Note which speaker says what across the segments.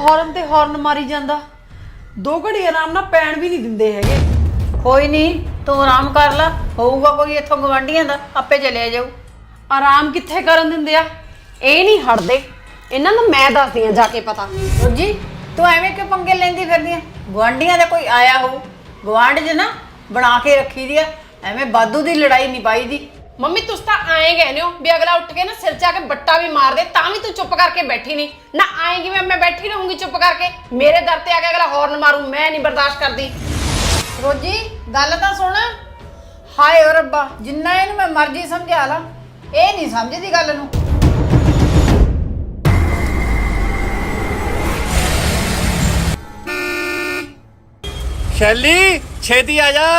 Speaker 1: Horn ते horn मारी जांदा। 2 घड़ी आराम नाल पैण भी नहीं दिंदे हैगे।
Speaker 2: कोई नहीं, तू आराम कर ला, होऊगा कोई इत्थों गवांढियां दा, आपे चले जाऊ।
Speaker 1: आराम कित्थे करन दिंदे आ? ਇਹ ਨਹੀਂ ਹਟਦੇ। ਇਹਨਾਂ ਨੂੰ ਮੈਂ ਦੱਸਦੀ ਆ ਜਾ ਕੇ ਪਤਾ।
Speaker 2: जी तू एवें क्यों पंगे लेंदी फिरदी है? गवांढियां दा कोई आया हो, गवांढ च ना बना के रखी दी है। एवें बादू दी लड़ाई नहीं पाई दी।
Speaker 1: ਮੰਮੀ ਤੁਸੀਂ ਤਾਂ ਆਏ ਕਹਿੰਦੇ ਹੋ ਵੀ ਅਗਲਾ ਉੱਠ ਕੇ ਨਾ ਸਿਰ 'ਚ ਆ ਕੇ ਬੱਟਾ ਵੀ ਮਾਰ ਦੇ ਤਾਂ ਵੀ ਤੂੰ ਚੁੱਪ ਕਰਕੇ ਬੈਠੀ ਨਹੀਂ ਨਾ। ਆਏਗੀ ਮੈਂ ਬੈਠੀ ਰਹੂੰਗੀ ਚੁੱਪ ਕਰਕੇ? ਮੇਰੇ ਦਰ ਤੇ ਆ ਕੇ ਅਗਲਾ ਹੌਰਨ ਮਾਰੂ, ਮੈਂ ਨਹੀਂ ਬਰਦਾਸ਼ਤ ਕਰਦੀ।
Speaker 2: रोजी गल तां सुन। हाय ओ रब्बा, जिन्ना इहनूं मैं मर्जी समझा ला, ਇਹ नहीं समझदी गल नूं।
Speaker 3: शैली छेती आ जा।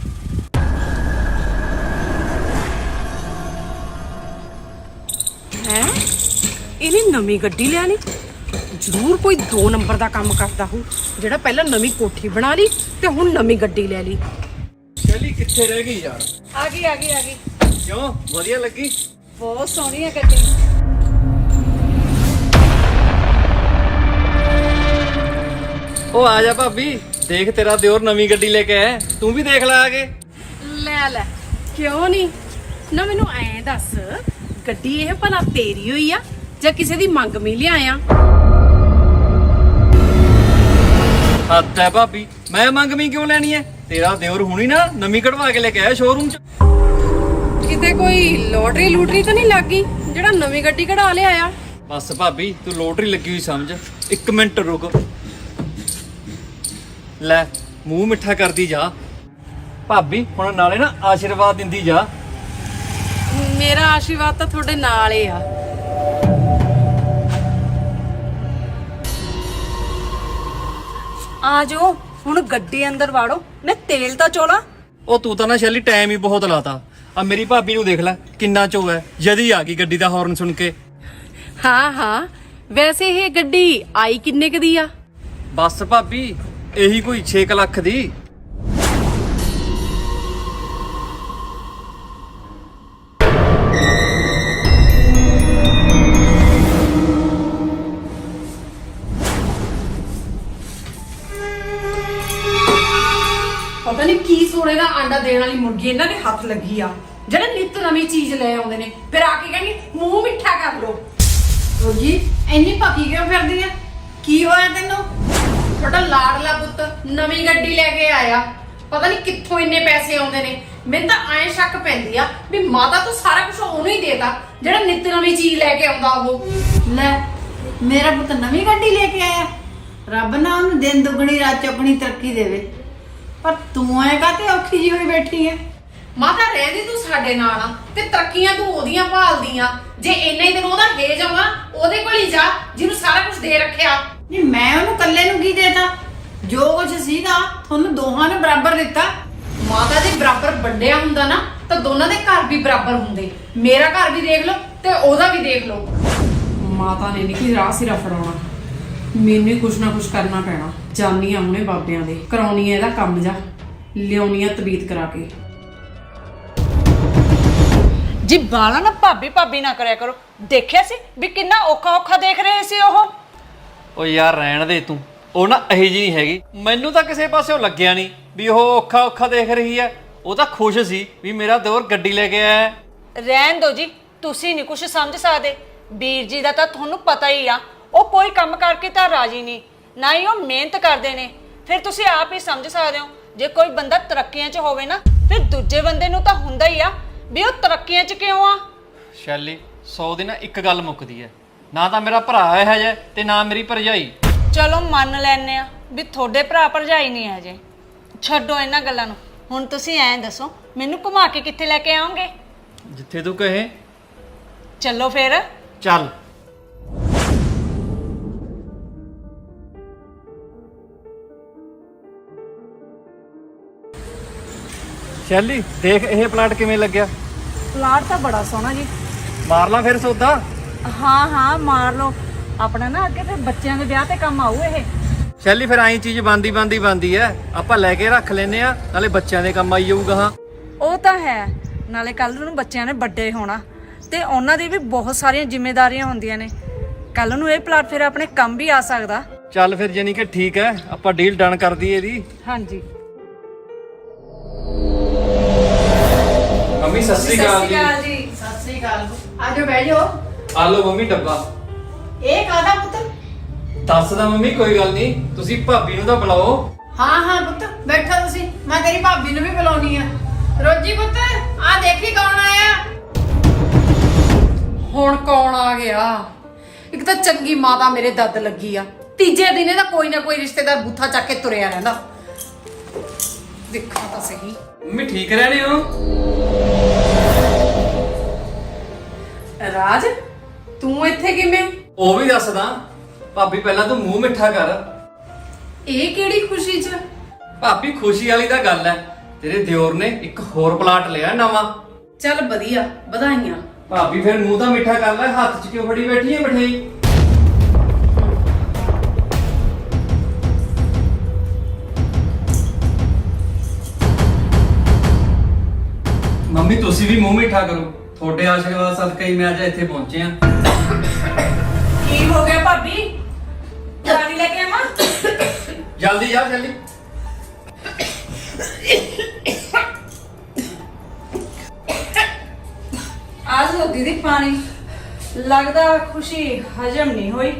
Speaker 1: ਹੈ ਇਹਨੇ ਨਵੀਂ ਗੱਡੀ ਲਿਆ ਲਈ। ਜ਼ਰੂਰ ਕੋਈ 2 ਨੰਬਰ ਦਾ ਕੰਮ ਕਰਦਾ ਹੋ ਜਿਹੜਾ ਪਹਿਲਾਂ ਨਵੀਂ ਕੋਠੀ ਬਣਾ ਲਈ ਤੇ ਹੁਣ ਨਵੀਂ ਗੱਡੀ ਲੈ ਲਈ।
Speaker 3: शैली कित्थे रह गई यार?
Speaker 1: ਆ ਗਈ।
Speaker 3: क्यों वधिया लगी?
Speaker 1: ਬਹੁਤ ਸੋਹਣੀ ਹੈ ਗੱਡੀ।
Speaker 3: ओ आ जा भाभी, देख तेरा दियोर नवी गड्डी लेके आया, तू भी देख ला आगे।
Speaker 1: ਲੈ ਕਿਉਂ ਨਹੀਂ ਨਾ। ਮੈਨੂੰ ਐਂ ਦੱਸ, ਗੱਡੀ ਇਹ ਭਲਾ ਤੇਰੀ ਹੋਈ ਆ ਜਾਂ ਕਿਸੇ ਦੀ ਮੰਗ ਮੀ ਲਿਆਇਆ?
Speaker 3: हद है भाभी, मैं मंगवी क्यों लेनी है? तेरा दियोर हुणी ना नवी कढ़वा के लेके आया शोरूम च।
Speaker 1: ਕਿਤੇ ਕੋਈ ਲੋਟਰੀ ਲੂਟਰੀ ਤਾਂ ਨਹੀਂ ਲੱਗ ਗਈ ਜਿਹੜਾ ਨਵੀਂ ਗੱਡੀ ਕਢਾ ਲਿਆ ਆ?
Speaker 3: बस भाभी तू लोटरी लगी हुई समझ। 1 मिनट रुक, ले मुंह मिठा करदी जा। भाभी हुण नाले ना आशीर्वाद दिंदी जा।
Speaker 1: ਮੇਰਾ ਆਸ਼ੀਰਵਾਦ ਤਾਂ ਤੁਹਾਡੇ ਨਾਲ ਹੀ ਆ। ਆ ਜਾਓ ਹੁਣ ਗੱਡੀ ਅੰਦਰ ਵਾੜੋ, ਮੈਂ ਤੇਲ ਤਾਂ ਚੋਲਾ।
Speaker 3: ਉਹ ਤੂੰ ਤਾਂ ਨਾ ਸ਼ੈਲੀ ਟਾਈਮ ਹੀ ਬਹੁਤ ਲਾਤਾ। ਆ ਮੇਰੀ ਭਾਬੀ ਨੂੰ ਦੇਖ ਲੈ ਕਿੰਨਾ ਚੋ ਹੈ, ਜਦੀ ਆ ਗਈ ਗੱਡੀ ਦਾ ਹਾਰਨ ਸੁਣ ਕੇ।
Speaker 1: ਹਾਂ ਵੈਸੇ ਇਹ ਗੱਡੀ ਆਈ ਕਿੰਨੇ ਕੁ ਦੀ ਆ?
Speaker 3: ਬਸ ਭਾਬੀ ਇਹੀ ਕੋਈ 6 ਲੱਖ ਦੀ।
Speaker 1: ਪਤਾ ਨਹੀਂ ਕੀ ਸੋਨੇ ਦਾ ਆਂਡਾ ਦੇਣ ਵਾਲੀ ਮੁਰਗੀ ਇਹਨਾਂ ਦੇ ਹੱਥ ਲੱਗੀ ਆ ਜਿਹੜੇ ਨਿੱਤ ਨਵੀਂ ਚੀਜ਼ ਲੈ ਆਉਂਦੇ ਨੇ ਫਿਰ ਆ ਕੇ ਕਹਿੰਦੀ ਮੂੰਹ ਮਿੱਠਾ ਕਰ ਲੋ।
Speaker 2: रोजी ਇੰਨੀ ਪੱਕੀ ਕਿਉਂ ਫਿਰਦੀ ਹੈ? ਕੀ ਹੋਇਆ ਤੈਨੂੰ?
Speaker 1: ਤੁਹਾਡਾ ਲਾਡਲਾ ਪੁੱਤ ਨਵੀਂ ਗੱਡੀ ਲੈ ਕੇ ਆਇਆ, ਪਤਾ ਨਹੀਂ ਕਿੱਥੋਂ ਇੰਨੇ ਪੈਸੇ ਆਉਂਦੇ ਨੇ। ਮੈਨੂੰ ਤਾਂ ਐਂ ਸ਼ੱਕ ਪੈਂਦੀ ਆ ਵੀ ਮਾਤਾ ਤੂੰ ਸਾਰਾ ਕੁਝ ਉਹਨੂੰ ਹੀ ਦੇਤਾ ਜਿਹੜਾ ਨਿੱਤ ਨਵੀਂ ਚੀਜ਼ ਲੈ ਕੇ ਆਉਂਦਾ ਉਹ।
Speaker 2: ਲੈ ਮੇਰਾ ਪੁੱਤ ਨਵੀਂ ਗੱਡੀ ਲੈ ਕੇ ਆਇਆ। ਰੱਬ ਨਾ ਉਹਨੂੰ ਦਿਨ ਦੁਗਣੀ ਰਾਤ ਚੌਗਣੀ ਤਰੱਕੀ ਦੇਵੇ। ਪਰ ਤੂੰ ਐ ਕਾਤੇ ਔਖੀ ਜੀ ਹੋਈ ਬੈਠੀ ਐ?
Speaker 1: ਮਾਤਾ ਰਹਿੰਦੀ ਤੂੰ ਸਾਡੇ ਨਾਲ ਆ ਤੇ ਤਰੱਕੀਆਂ ਤੂੰ ਉਹਦੀਆਂ ਭਾਲਦੀਆਂ। ਜੇ ਇੰਨਾ ਹੀ ਤੈਨੂੰ ਉਹਦਾ ਹੇਜ ਆਉਣਾ ਉਹਦੇ ਕੋਲ ਹੀ ਜਾ ਜਿਹਨੂੰ ਸਾਰਾ ਕੁਝ ਦੇ ਰੱਖਿਆ।
Speaker 2: ਨਹੀਂ ਮੈਂ ਉਹਨੂੰ ਇਕੱਲੇ ਨੂੰ ਕੀ ਦੇਤਾ? ਜੋ ਕੁਝ ਸੀਗਾ ਤੁਹਾਨੂੰ ਦੋਹਾਂ ਨੇ ਬਰਾਬਰ ਦਿੱਤਾ।
Speaker 1: ਮਾਤਾ ਦੇ ਬਰਾਬਰ ਵੰਡਿਆ ਹੁੰਦਾ ਨਾ ਤਾਂ ਦੋਨਾਂ ਦੇ ਘਰ ਵੀ ਬਰਾਬਰ ਹੁੰਦੇ। ਮੇਰਾ ਘਰ ਵੀ ਦੇਖ ਲਓ ਤੇ ਉਹਦਾ ਵੀ ਦੇਖ ਲਓ। ਮਾਤਾ ਨੇ ਨਹੀਂ ਕਿ ਰਾਹ ਸਿਰਾ ਫੜਾਉਣਾ, ਮੈਨੂੰ ਹੀ ਕੁਛ ਨਾ ਕੁਛ ਕਰਨਾ ਪੈਣਾ। ਜਾਨੀ ਆ ਹੁਣੇ ਬਾਬਿਆਂ ਦੇ, ਕਰਾਉਣੀ ਆ ਇਹਦਾ ਕੰਮ ਜਾ, ਲਿਆਉਣੀ ਆ ਤਬੀਤ ਕਰਾ ਕੇ।
Speaker 4: ਜੀ ਬਾਲਾ ਨਾ ਭਾਬੀ ਨਾ ਕਰਿਆ ਕਰੋ। ਦੇਖਿਆ ਸੀ ਵੀ ਕਿੰਨਾ ਔਖਾ ਦੇਖ ਰਹੇ ਸੀ ਉਹ।
Speaker 3: ਓ ਯਾਰ ਰਹਿਣ ਦੇ ਤੂੰ, ਉਹ ਨਾ ਇਹੀ ਜੀ ਨਹੀਂ ਹੈਗੀ। ਮੈਨੂੰ ਤਾਂ ਕਿਸੇ ਪਾਸਿਓਂ ਲੱਗਿਆ ਨਹੀਂ ਵੀ ਉਹ ਔਖਾ ਦੇਖ ਰਹੀ ਹੈ। ਉਹ ਤਾਂ ਖੁਸ਼ ਸੀ ਵੀ ਮੇਰਾ ਦਿਓਰ ਗੱਡੀ ਲੈ ਕੇ ਆਇਆ।
Speaker 4: ਰਹਿਣ ਦੋ ਜੀ, ਤੁਸੀਂ ਨਹੀਂ ਕੁਝ ਸਮਝ ਸਕਦੇ। ਵੀਰ ਜੀ ਦਾ ਤਾਂ ਤੁਹਾਨੂੰ ਪਤਾ ਹੀ ਆ, ਉਹ ਕੋਈ ਕੰਮ ਕਰਕੇ ਤਾਂ ਰਾਜੀ ਨਹੀਂ, ਨਾ ਹੀ ਉਹ ਮਿਹਨਤ ਕਰਦੇ ਨੇ। ਫਿਰ ਤੁਸੀਂ ਆਪ ਹੀ ਸਮਝ ਸਕਦੇ ਹੋ, ਜੇ ਕੋਈ ਬੰਦਾ ਤਰੱਕੀਆਂ 'ਚ ਹੋਵੇ ਨਾ ਫਿਰ ਦੂਜੇ ਬੰਦੇ ਨੂੰ ਤਾਂ ਹੁੰਦਾ ਹੀ ਆ ਵੀ ਉਹ ਤਰੱਕੀਆਂ 'ਚ ਕਿਉਂ ਆ।
Speaker 3: ਸ਼ੈਲੀ 100 ਦੀ ਨਾ ਇੱਕ ਗੱਲ ਮੁੱਕਦੀ ਹੈ, ਨਾ ਤਾਂ ਮੇਰਾ ਭਰਾ ਹੈ ਜੇ ਤੇ ਨਾ ਮੇਰੀ ਭਰਜਾਈ।
Speaker 4: ਚਲੋ ਮੰਨ ਲੈਨੇ ਆ ਵੀ ਤੁਹਾਡੇ ਭਰਾ ਭਰਜਾਈ ਨਹੀਂ ਹੈ ਜੇ, ਛੱਡੋ ਇਹਨਾਂ ਗੱਲਾਂ ਨੂੰ। ਹੁਣ ਤੁਸੀਂ ਐਂ ਦੱਸੋ ਮੈਨੂੰ ਘੁਮਾ ਕੇ ਕਿੱਥੇ ਲੈ ਕੇ ਆਓਗੇ?
Speaker 3: ਜਿੱਥੇ ਤੂੰ ਕਹੇ।
Speaker 4: ਚੱਲੋ ਫਿਰ।
Speaker 3: ਚੱਲ। ਸ਼ੈਲੀ ਦੇਖ ਇਹ ਪਲਾਟ ਕਿਵੇਂ ਲੱਗਿਆ?
Speaker 4: ਪਲਾਟ ਤਾਂ ਬੜਾ ਸੋਹਣਾ ਜੀ।
Speaker 3: ਮਾਰ ਲਾ ਫਿਰ ਸੌਦਾ।
Speaker 4: ਹਾਂ ਮਾਰ ਲਓ। ਆਪਣਾ ਨਾ ਅੱਗੇ ਫਿਰ ਬੱਚਿਆਂ ਦੇ ਵਿਆਹ ਤੇ ਕੰਮ ਆਊ ਇਹ।
Speaker 3: ਸ਼ੈਲੀ ਫਿਰ ਆਈ ਚੀਜ਼ ਬੰਦੀ ਐ, ਆਪਾਂ ਲੈ ਕੇ ਰੱਖ ਲੈਨੇ ਆ, ਨਾਲੇ ਬੱਚਿਆਂ ਦੇ ਕੰਮ ਆਈ ਜਾਊਗਾ। ਹਾਂ
Speaker 4: ਉਹ ਤਾਂ ਹੈ, ਨਾਲੇ ਕੱਲ ਨੂੰ ਬੱਚਿਆਂ ਨੇ ਵੱਡੇ ਹੋਣਾ ਤੇ ਉਹਨਾਂ ਦੀ ਵੀ ਬਹੁਤ ਸਾਰੀਆਂ ਜ਼ਿੰਮੇਵਾਰੀਆਂ ਹੁੰਦੀਆਂ ਨੇ। ਕੱਲ ਨੂੰ ਇਹ ਪਲਾਟ ਫਿਰ ਆਪਣੇ ਕੰਮ ਵੀ ਆ ਸਕਦਾ।
Speaker 3: ਚੱਲ ਫਿਰ ਜਾਨੀ ਕਿ ਠੀਕ ਹੈ, ਆਪਾਂ ਡੀਲ ਡਨ ਕਰ ਦਈਏ ਇਹਦੀ।
Speaker 4: ਹਾਂਜੀ
Speaker 3: ਮੰਮੀ ਸਤਿ ਸ੍ਰੀ ਅਕਾਲ ਜੀ।
Speaker 4: ਜੀ।
Speaker 2: ਸਤਿ ਸ੍ਰੀ ਅਕਾਲ। ਆਜੋ ਬਹਿ ਜਾਓ।
Speaker 3: ਆ ਲਓ ਮੰਮੀ ਡੱਬਾ।
Speaker 2: ਇਹ ਕਾਹਦਾ ਪੁੱਤ?
Speaker 3: ਦੱਸਦਾ ਮੰਮੀ, ਕੋਈ ਗੱਲ ਨਹੀਂ, ਤੁਸੀਂ ਭਾਬੀ ਨੂੰ ਤਾਂ ਬੁਲਾਓ।
Speaker 2: ਹਾਂ ਹਾਂ ਪੁੱਤ ਬੈਠੋ ਤੁਸੀਂ, ਮੈਂ ਤੇਰੀ ਭਾਬੀ ਨੂੰ ਵੀ ਬੁਲਾਉਣੀ ਆ। ਰੋਜੀ ਪੁੱਤ ਆ ਦੇਖੀ ਕੌਣ ਆਇਆ।
Speaker 1: ਹੁਣ ਕੌਣ ਆ ਗਿਆ? ਇੱਕ ਤਾਂ ਚੰਗੀ ਮਾਤਾ ਮੇਰੇ ਦੱਦ ਲੱਗੀ ਆ, ਤੀਜੇ ਦਿਨ ਇਹਦਾ ਕੋਈ ਨਾ ਕੋਈ ਰਿਸ਼ਤੇਦਾਰ ਬੂਥਾ ਚੱਕ ਕੇ ਤੁਰਿਆ ਰਹਿੰਦਾ। ਦੇਖਾਂ ਤਾਂ ਸਹੀ।
Speaker 3: ਮੰਮੀ ਠੀਕ ਰਹਿਣੇ ਹੋ?
Speaker 1: ਰਾਜ, ਤੂੰ ਇੱਥੇ ਕਿਵੇਂ?
Speaker 3: ਉਹ ਵੀ ਦੱਸਦਾ। ਭਾਬੀ ਪਹਿਲਾਂ ਤੂੰ ਮੂੰਹ ਮਿੱਠਾ ਕਰ।
Speaker 1: ਇਹ ਕਿਹੜੀ ਖੁਸ਼ੀ 'ਚ?
Speaker 3: ਭਾਬੀ ਖੁਸ਼ੀ ਵਾਲੀ ਤਾਂ ਗੱਲ ਹੈ, ਤੇਰੇ ਦਿਓਰ ਨੇ ਇੱਕ ਹੋਰ ਪਲਾਟ ਲਿਆ ਨਵਾਂ।
Speaker 1: ਚੱਲ ਵਧੀਆ, ਵਧਾਈਆਂ।
Speaker 3: ਭਾਬੀ ਫਿਰ ਮੂੰਹ ਤਾਂ ਮਿੱਠਾ ਕਰ ਲੈ, ਹੱਥ 'ਚ ਕਿਉਂ ਫੜੀ ਬੈਠੀ ਹੈ ਮਠਿਆਈ? ਮੰਮੀ ਤੁਸੀਂ ਵੀ ਮੂੰਹ ਮਿੱਠਾ ਕਰੋ, ਤੁਹਾਡੇ ਆਸ਼ੀਰਵਾਦ ਸਦਕਾ ਹੀ ਮੈਂ ਅੱਜ ਇੱਥੇ ਪਹੁੰਚੇ ਆ।
Speaker 4: ਕੀ ਹੋ ਗਿਆ ਭਾਬੀ? ਪਾਣੀ ਲੈ ਕੇ ਆਵਾਂ?
Speaker 3: ਜਲਦੀ ਜਾ ਜਲਦੀ।
Speaker 4: ਆ ਲਓ ਦੀਦੀ ਪਾਣੀ। ਲੱਗਦਾ ਖੁਸ਼ੀ ਹਜਮ ਨਹੀਂ ਹੋਈ।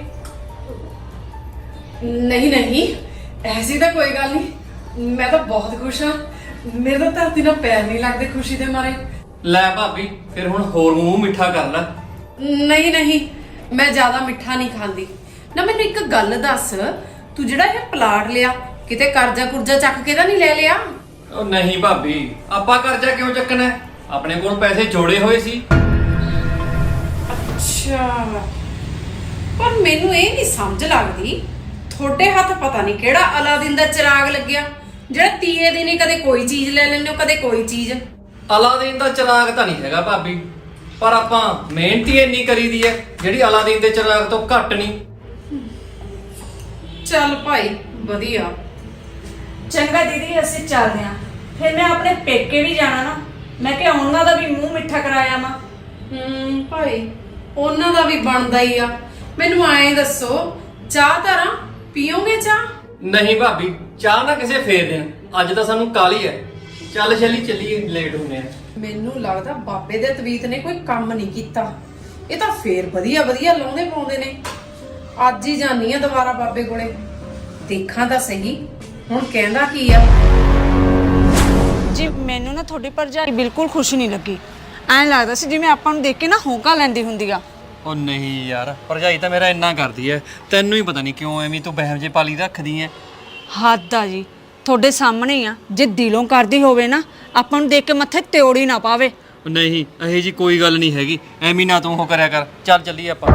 Speaker 1: ਨਹੀਂ ਨਹੀਂ, ਐਸੀ ਤਾਂ ਕੋਈ ਗੱਲ ਨਹੀਂ, ਮੈਂ ਤਾਂ ਬਹੁਤ ਖੁਸ਼ ਹਾਂ। ਮੇਰੇ ਤਾਂ ਧਰਤੀ ਨਾਲ ਪੈਰ ਨਹੀਂ ਲੱਗਦੇ ਖੁਸ਼ੀ ਦੇ ਮਾਰੇ।
Speaker 3: ਲੈ ਭਾਬੀ ਫਿਰ ਹੁਣ ਹੋਰ ਮੂੰਹ ਮਿੱਠਾ ਕਰ ਲੈ।
Speaker 1: ਨਹੀਂ ਨਹੀਂ, ਮੈਂ ਜ਼ਿਆਦਾ ਮਿੱਠਾ ਨਹੀਂ ਖਾਂਦੀ। ਨਾ ਮੈਨੂੰ ਇੱਕ ਗੱਲ ਦੱਸ, ਤੂੰ ਜਿਹੜਾ ਇਹ ਪਲਾਟ ਲਿਆ, ਕਿਤੇ ਕਰਜ਼ਾ ਕੁਰਜ਼ਾ ਚੱਕ ਕੇ ਤਾਂ ਨਹੀਂ ਲੈ ਲਿਆ?
Speaker 3: ਉਹ ਨਹੀਂ ਭਾਬੀ, ਆਪਾਂ ਕਰਜ਼ਾ ਕਿਉਂ ਚੱਕਣਾ ਹੈ? ਆਪਣੇ ਕੋਲ ਪੈਸੇ ਜੋੜੇ ਹੋਏ ਸੀ।
Speaker 1: ਅੱਛਾ, ਪਰ ਮੈਨੂੰ ਇਹ ਨਹੀਂ ਸਮਝ ਲੱਗਦੀ, ਤੁਹਾਡੇ ਹੱਥ ਪਤਾ ਨਹੀਂ ਕਿਹੜਾ ਅਲਾਦੀਨ ਦਾ ਚਿਰਾਗ ਲੱਗਿਆ, ਜਿਹੜਾ ਤੀਏ ਦਿਨ ਹੀ ਕਦੇ ਕੋਈ ਚੀਜ਼ ਲੈ ਲੈਂਦੇ ਹੋ, ਕਦੇ ਕੋਈ ਚੀਜ਼।
Speaker 3: ਅਲਾਦੀਨ ਦਾ ਚਿਰਾਗ ਤਾਂ ਨਹੀਂ ਹੈਗਾ ਭਾਬੀ, ਪਰ ਆਪਾਂ ਮਿਹਨਤ ਹੀ ਇੰਨੀ ਕਰੀਦੀ ਹੈ ਜਿਹੜੀ ਅਲਾਦੀਨ ਦੇ ਚਿਰਾਗ ਤੋਂ ਘੱਟ ਨਹੀਂ।
Speaker 1: ਚੱਲ ਭਾਈ ਵਧੀਆ।
Speaker 4: ਚੰਗਾ ਦੀਦੀ ਅਸੀਂ ਚੱਲਦੇ ਆਂ। ਫਿਰ ਮੈਂ ਆਪਣੇ ਪੇਕੇ ਵੀ ਜਾਣਾ ਨਾ, ਮੈਂ ਕਿਹਾ ਉਹਨਾਂ ਦਾ ਵੀ ਮੂੰਹ ਮਿੱਠਾ ਕਰਾਇਆ ਮਾ।
Speaker 1: ਭਾਈ ਉਹਨਾਂ ਦਾ ਵੀ ਬਣਦਾ ਹੀ ਆ। ਮੈਨੂੰ ਐਂ ਦੱਸੋ, ਚਾਹ ਧਰਾਂ, ਪੀਓਗੇ ਚਾਹ?
Speaker 3: ਨਹੀਂ ਭਾਬੀ, ਚਾਹ ਨਾ ਕਿਸੇ ਫੇਰ ਦੇਣ, ਅੱਜ ਤਾਂ ਸਾਨੂੰ ਕਾਹਲੀ ਹੈ। ਚੱਲ ਛੇਲੀ ਚੱਲੀਏ, ਲੇਟ ਹੁੰਦੇ ਆ।
Speaker 1: ਮੈਨੂੰ ਲੱਗਦਾ ਬਾਬੇ ਦੇ ਤਵੀਤ ਨੇ ਕੋਈ ਕੰਮ ਨਹੀਂ ਕੀਤਾ। ਇਹ ਤਾਂ ਫੇਰ ਵਧੀਆ ਵਧੀਆ ਲਾਉਂਦੇ ਪਾਉਂਦੇ ਨੇ। ਅੱਜ ਹੀ ਜਾਨੀ ਆ ਦੁਬਾਰਾ ਬਾਬੇ ਕੋਲੇ, ਦੇਖਾਂ ਤਾਂ ਸਹੀ ਹੁਣ ਕਹਿੰਦਾ ਕੀ ਆ।
Speaker 4: ਜੀ ਮੈਨੂੰ ਨਾ ਤੁਹਾਡੀ ਭਰਜਾਈ ਬਿਲਕੁਲ ਖੁਸ਼ ਨਹੀਂ ਲੱਗੀ। ਐਂ ਲੱਗਦਾ ਸੀ ਜਿਵੇਂ ਆਪਾਂ ਨੂੰ ਦੇਖ ਕੇ ਨਾ ਹੋਂਕਾ ਲੈਂਦੀ ਹੁੰਦੀ ਆ।
Speaker 3: ਉਹ ਨਹੀਂ ਯਾਰ, ਭਰਜਾਈ ਤਾਂ ਮੇਰਾ ਇੰਨਾ ਕਰਦੀ ਐ, ਤੈਨੂੰ ਹੀ ਪਤਾ ਨਹੀਂ ਕਿਉਂ ਐਵੇਂ ਤੂੰ ਬਹਿਮ ਜੇ ਪਾਲੀ ਰੱਖਦੀ ਐ।
Speaker 4: ਹੱਦ ਆ ਜੀ, ਤੁਹਾਡੇ ਸਾਹਮਣੇ ਹੀ ਆ। ਜੇ ਦਿਲੋਂ ਕਰਦੀ ਹੋਵੇ ਨਾ, ਆਪਾਂ ਨੂੰ ਦੇਖ ਕੇ ਮੱਥੇ ਤਿਉੜੀ ਨਾ ਪਾਵੇ।
Speaker 3: ਉਹ ਨਹੀਂ, ਇਹੋ ਜੀ ਕੋਈ ਗੱਲ ਨਹੀਂ ਹੈਗੀ, ਐਵੇਂ ਨਾ ਤੂੰ ਉਹ ਕਰਿਆ ਕਰ। ਚੱਲ ਚੱਲੀਏ ਆਪਾਂ।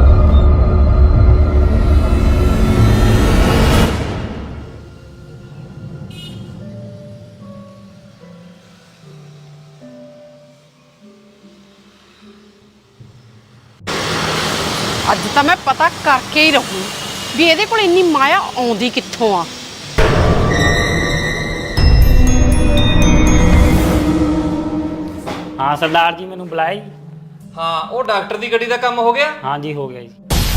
Speaker 1: ਅੱਜ ਤਾਂ ਮੈਂ ਪਤਾ ਕਰਕੇ ਹੀ ਰਹੂੰ ਵੀ ਇਹਦੇ ਕੋਲ ਇੰਨੀ ਮਾਇਆ ਆਉਂਦੀ ਕਿੱਥੋਂ ਆ।
Speaker 5: हाँ सरदार जी मैनू बुलाया जी।
Speaker 3: ਹਾਂ, ਉਹ ਡਾਕਟਰ ਦੀ ਗੱਡੀ ਦਾ ਕੰਮ ਹੋ ਗਿਆ।
Speaker 5: हाँ जी हो गया जी।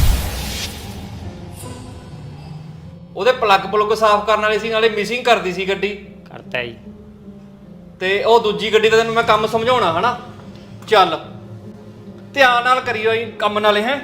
Speaker 3: ਉਹਦੇ ਪਲੱਗ ਸਾਫ਼ ਕਰਨ ਵਾਲੇ ਸੀ, ਨਾਲੇ ਮਿਸਿੰਗ ਕਰਦੀ ਸੀ ਗੱਡੀ।
Speaker 5: करता है जी।
Speaker 3: ਤੇ ਉਹ ਦੂਜੀ ਗੱਡੀ ਦਾ ਤੈਨੂੰ ਮੈਂ ਕੰਮ ਸਮਝਾਉਣਾ ਹਨਾ। ਚੱਲ ਧਿਆਨ ਨਾਲ ਕਰਿਓ ਇਹ ਕੰਮ ਨਾਲੇ ਹੈ।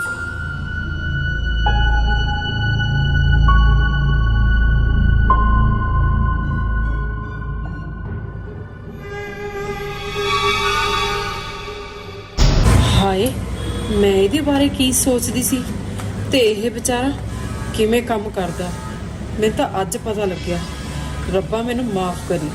Speaker 1: ਹਾਏ, ਮੈਂ ਇਹਦੇ ਬਾਰੇ ਕੀ ਸੋਚਦੀ ਸੀ ਤੇ ਇਹ ਵਿਚਾਰਾ ਕਿਵੇਂ ਕੰਮ ਕਰਦਾ। ਮੈਨੂੰ ਤਾਂ ਅੱਜ ਪਤਾ ਲੱਗਿਆ। ਰੱਬਾ ਮੈਨੂੰ ਮਾਫ ਕਰੀ।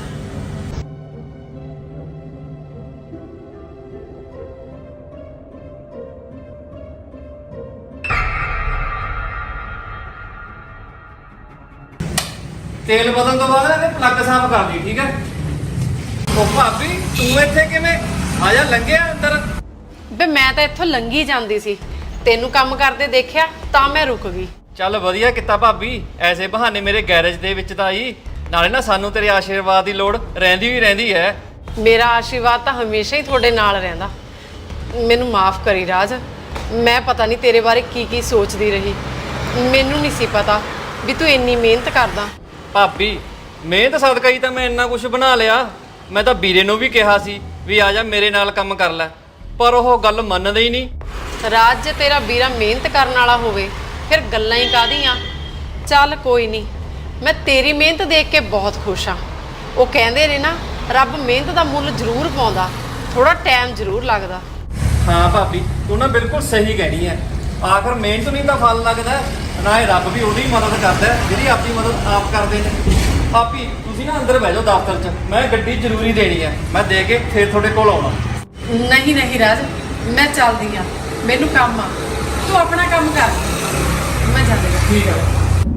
Speaker 3: ਤੇਲ ਬਦਲਣ ਤੋਂ ਬਾਅਦ ਨਾ ਪਲੱਗ ਸਾਫ਼ ਕਰ ਦੀ, ਠੀਕ ਹੈ? ਉਹ ਭਾਬੀ ਤੂੰ ਇੱਥੇ ਕਿਵੇਂ? ਆ ਜਾ, ਲੰਘਿਆ ਅੰਦਰ।
Speaker 1: ਬੇ ਮੈਂ ਤਾਂ ਇੱਥੋਂ ਲੰਘੀ ਜਾਂਦੀ ਸੀ, ਤੈਨੂੰ ਕੰਮ ਕਰਦੇ ਦੇਖਿਆ ਤਾਂ ਮੈਂ ਰੁਕ ਗਈ।
Speaker 3: ਚੱਲ ਵਧੀਆ ਕੀਤਾ ਭਾਬੀ, ਐਸੇ ਬਹਾਨੇ ਮੇਰੇ ਗੈਰੇਜ ਦੇ ਵਿੱਚ ਤਾਂ ਆਈ। ਨਾਲੇ ਨਾ ਸਾਨੂੰ ਤੇਰੇ ਆਸ਼ੀਰਵਾਦ ਦੀ ਲੋੜ ਰਹਿੰਦੀ ਹੈ।
Speaker 1: ਮੇਰਾ ਆਸ਼ੀਰਵਾਦ ਤਾਂ ਹਮੇਸ਼ਾ ਹੀ ਤੁਹਾਡੇ ਨਾਲ ਰਹਿੰਦਾ। ਮੈਨੂੰ ਮਾਫ ਕਰੀ ਰਾਜ, ਮੈਂ ਪਤਾ ਨਹੀਂ ਤੇਰੇ ਬਾਰੇ ਕੀ ਕੀ ਸੋਚਦੀ ਰਹੀ। ਮੈਨੂੰ ਨਹੀਂ ਸੀ ਪਤਾ ਵੀ ਤੂੰ ਇੰਨੀ ਮਿਹਨਤ ਕਰਦਾ।
Speaker 3: ਭਾਬੀ ਮਿਹਨਤ ਸਦਕਾ ਹੀ ਤਾਂ ਮੈਂ ਇੰਨਾ ਕੁਝ ਬਣਾ ਲਿਆ। ਮੈਂ ਤਾਂ ਵੀਰੇ ਨੂੰ ਵੀ ਕਿਹਾ ਸੀ ਵੀ ਆ ਜਾ ਮੇਰੇ ਨਾਲ ਕੰਮ ਕਰ ਲੈ, ਪਰ ਉਹ ਗੱਲ ਮੰਨਦਾ ਹੀ ਨਹੀਂ।
Speaker 1: ਰਾਜ ਜੇ ਤੇਰਾ ਵੀਰਾ ਮਿਹਨਤ ਕਰਨ ਵਾਲਾ ਹੋਵੇ ਫਿਰ ਗੱਲਾਂ ਹੀ ਕਾਹਦੀਆਂ। ਚੱਲ ਕੋਈ ਨਹੀਂ, ਮੈਂ ਤੇਰੀ ਮਿਹਨਤ ਦੇਖ ਕੇ ਬਹੁਤ ਖੁਸ਼ ਹਾਂ। ਉਹ ਕਹਿੰਦੇ ਨੇ ਨਾ, ਰੱਬ ਮਿਹਨਤ ਦਾ ਮੁੱਲ ਜ਼ਰੂਰ ਪਾਉਂਦਾ, ਥੋੜਾ ਟਾਈਮ ਜ਼ਰੂਰ ਲੱਗਦਾ।
Speaker 3: ਹਾਂ ਭਾਬੀ ਤੂੰ ਨਾ ਬਿਲਕੁਲ ਸਹੀ ਕਹਿਣੀ ਹੈ। ਆਖਰ ਮਿਹਨਤ ਨਹੀਂ ਤਾਂ ਫਲ ਲੱਗਦਾ, ਨਾ ਇਹ ਰੱਬ ਵੀ ਉਹਦੀ ਮਦਦ ਕਰਦਾ ਜਿਹੜੀ ਆਪਣੀ ਮਦਦ ਆਪ ਕਰਦੇ ਨੇ। ਭਾਬੀ ਤੁਸੀਂ ਨਾ ਅੰਦਰ ਬਹਿ ਜਾਓ ਦਫ਼ਤਰ 'ਚ, ਮੈਂ ਗੱਡੀ ਜ਼ਰੂਰੀ ਦੇਣੀ ਹੈ, ਮੈਂ ਦੇ ਕੇ ਫਿਰ ਤੁਹਾਡੇ ਕੋਲ ਆਉਣਾ।
Speaker 1: ਨਹੀਂ ਨਹੀਂ ਰਾਜ, ਮੈਂ ਚੱਲਦੀ ਆ, ਮੈਨੂੰ ਕੰਮ ਆ, ਤੂੰ ਆਪਣਾ ਕੰਮ ਕਰ, ਮੈਂ ਜਾਂਦੀ ਹਾਂ।
Speaker 3: ਠੀਕ ਹੈ।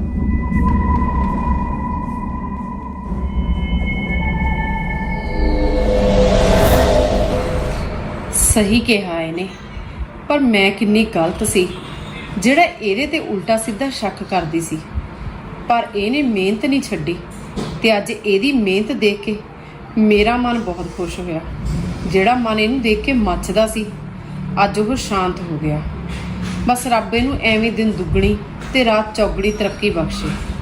Speaker 1: ਸਹੀ ਕਿਹਾ ਇਹਨੇ, ਪਰ ਮੈਂ ਕਿੰਨੀ ਗਲਤ ਸੀ ਜਿਹੜਾ ਇਹਦੇ ਤੇ ਉਲਟਾ ਸਿੱਧਾ ਸ਼ੱਕ ਕਰਦੀ ਸੀ। ਪਰ ਇਹਨੇ ਮਿਹਨਤ ਨਹੀਂ ਛੱਡੀ ਤੇ ਅੱਜ ਇਹਦੀ ਮਿਹਨਤ ਦੇਖ ਕੇ ਮੇਰਾ ਮਨ ਬਹੁਤ ਖੁਸ਼ ਹੋਇਆ। ਜਿਹੜਾ ਮਨ ਇਹਨੂੰ ਦੇਖ ਕੇ ਮੱਚਦਾ ਸੀ ਅੱਜ ਉਹ ਸ਼ਾਂਤ ਹੋ ਗਿਆ। ਬਸ ਰੱਬ ਇਹਨੂੰ ਐਵੇਂ ਦਿਨ ਦੁੱਗਣੀ ਤੇ ਰਾਤ ਚੌਗਣੀ ਤਰੱਕੀ ਬਖਸ਼ੇ।